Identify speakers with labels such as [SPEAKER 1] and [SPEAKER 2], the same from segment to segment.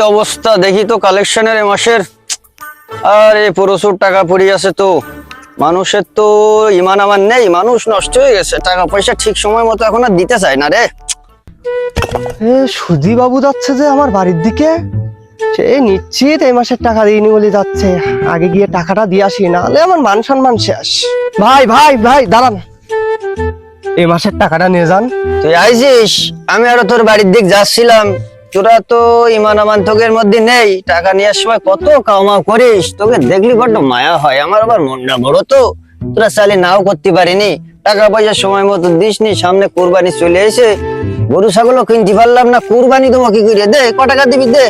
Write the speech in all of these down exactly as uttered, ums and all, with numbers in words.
[SPEAKER 1] অবস্থা দেখি তো কালেকশনের এ মাসের। আরে প্রচুর টাকা পড়ে আছে তো, মানুষের তো ইমান আমার নেই, মানুষ নষ্ট হয়ে গেছে, টাকা পয়সা ঠিক সময় মতো এখন আর দিতে চায় না রে।
[SPEAKER 2] এ সুধী বাবু যাচ্ছে যে আমার বাড়ির দিকে, সে নিশ্চিত এই মাসের টাকা দিইনি বলে যাচ্ছে। আগে গিয়ে টাকাটা দিয়ে আসি, নাহলে আমার মান সম্মান শেষ। ভাই ভাই ভাই দাঁড়ান, এই মাসের টাকাটা নিয়ে যান।
[SPEAKER 1] তুই আইছিস, আমি আরো তোর বাড়ির দিক যাচ্ছিলাম। তোরা তো ইমান আমান তোকের মধ্যে নেই, টাকা নেওয়ার সময় কত কামাও করিস, তোকে দেখলি বড্ড মায়া হয়। আমার আবার মনটা বড় তো, তোরা চাইলে নাও করতে পারিনি, টাকা পয়সা সময় মতো দিসনি। সামনে কুরবানি চলে এসে গরু ছাগলও কিনতে পারলাম না, কুরবানি তোমাকে কি করে দে, ক টাকা দিবি দে।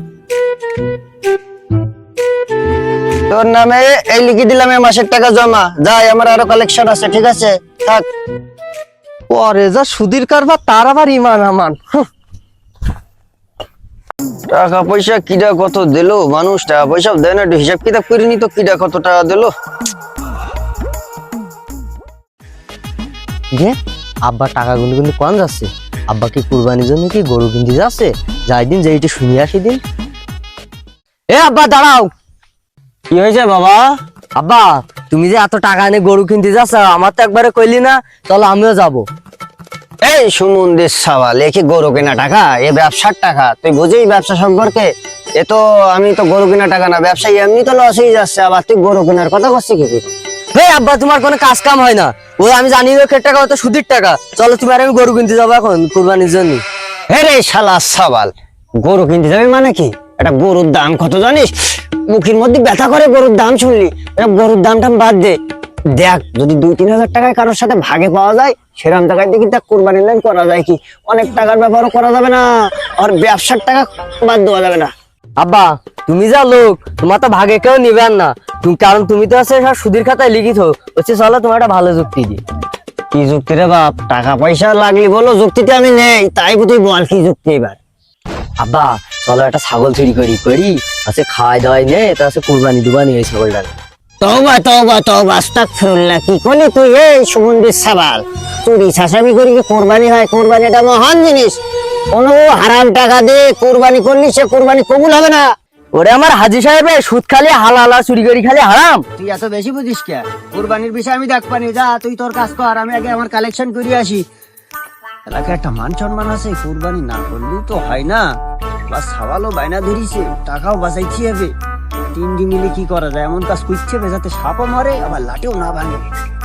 [SPEAKER 1] তোর নামে এই লিখে দিলাম এই মাসের টাকা জমা, যাই আমার আরো কালেকশন আছে, ঠিক আছে থাক।
[SPEAKER 2] পরে যা সুধীর কারবার, তার আবার ইমান আমান। হুঁ।
[SPEAKER 1] টাকা পয়সা কিডা কত দিলো, মানুষ টাকা পয়সা দেয় না, একটু হিসাব কিতাব করিনি তো কিডা কত টাকা দিলো।
[SPEAKER 3] রে আব্বা টাকাগুলো কিন্তু কম যাচ্ছে। আব্বা কি কুরবানির জন্য কি গরু কিনতে যাচ্ছে? যাই দিন যাই একটু শুনে আসি দিন। এ আব্বা দাঁড়াও।
[SPEAKER 1] কি হয়েছে বাবা?
[SPEAKER 3] আব্বা তুমি যে এত টাকা এনে গরু কিনতে যাচ্ছ, আমার তো একবারে কইলি না, চলো আমিও যাবো।
[SPEAKER 1] এই সুমন্দির সাওয়াল, এ কি গরু কেনা টাকা? এ ব্যবসার টাকা, তুই বুঝেই ব্যবসা সম্পর্কে? এ তো আমি তো গরু কেনা টাকা না, ব্যবসায়ী এমনি তো লস হয়ে যাচ্ছে, আবার তুই গরু কেনার কথা বলছিস কি?
[SPEAKER 3] হে আব্বা তোমার কোনো কাজ কাম হয় না, ওই আমি জানি ওর টাকা তো সুদির টাকা। চলো তুমি আর আমি গরু কিনতে যাবো এখন কুরবানির জন্য।
[SPEAKER 1] হে রে শালা সাওয়াল, গরু কিনতে যাবে মানে কি? এটা গরুর দাম কত জানিস? মুখের মধ্যে ব্যথা করে গরুর দাম শুনলি। এটা গরুর দাম টাম বাদ দে, দেখ যদি দুই তিন হাজার টাকায় কারোর সাথে ভাগে পাওয়া যায়, সেরকম টাকায় দেখি দেখ কুরবানির লাইন করা যায় কি। অনেক টাকার ব্যাপারও করা যাবে না, আর ব্যবসার টাকা বাদ দেওয়া যাবে না।
[SPEAKER 3] আব্বা তুমি যা লোক, তোমার তো ভাগে কেউ নিবেন না, তুমি কারণ তুমি তো আছে সব সুদের খাতায় লিখিত হচ্ছে। চলো তোমার একটা ভালো যুক্তি দি।
[SPEAKER 1] কি যুক্তি রে বাপ? টাকা পয়সা লাগলি বলো, যুক্তিতে আমি নেই, তাই তুই বল কি যুক্তি এবার?
[SPEAKER 3] আব্বা চলো একটা ছাগল চুরি করি করি আছে, খাওয়াই দাওয়াই নে, তা আছে কুরবানি দুবানি এই ছাগলটা।
[SPEAKER 1] তওবা তওবা তওবা আস্তাগফিরুল্লাহ, কি করলি তুই? এই সুমন্দির সাওয়াল, চুরি ছাসামি করি কি কুরবানি হয়? কুরবানি এটা মহান জিনিস, কোনো হারাম টাকা দিয়ে কুরবানি করলি সে কুরবানি কবুল হবে না।
[SPEAKER 3] ওরে আমার হাজি সাহেব, সুদ খালি হালাল আর চুরি করি খালি হারাম।
[SPEAKER 1] তুই এত বেশি বুঝিস কে? কুরবানির বিষয় আমি দেখ পানি, যা তুই তোর কাজ কর, আমি আগে আমার কালেকশন করে আসি। এলাকায় একটা মান সম্মান আছে, কুরবানি না করলেও তো হয় না। প্লাস সাওয়ালও বায়না ধরিছে, টাকাও বাঁচাইছি হবে। তিন দিন মিলে কি করা যায়? এমন কাজ করছে যাতে সাপও মরে আবার লাটেও না ভাঙে।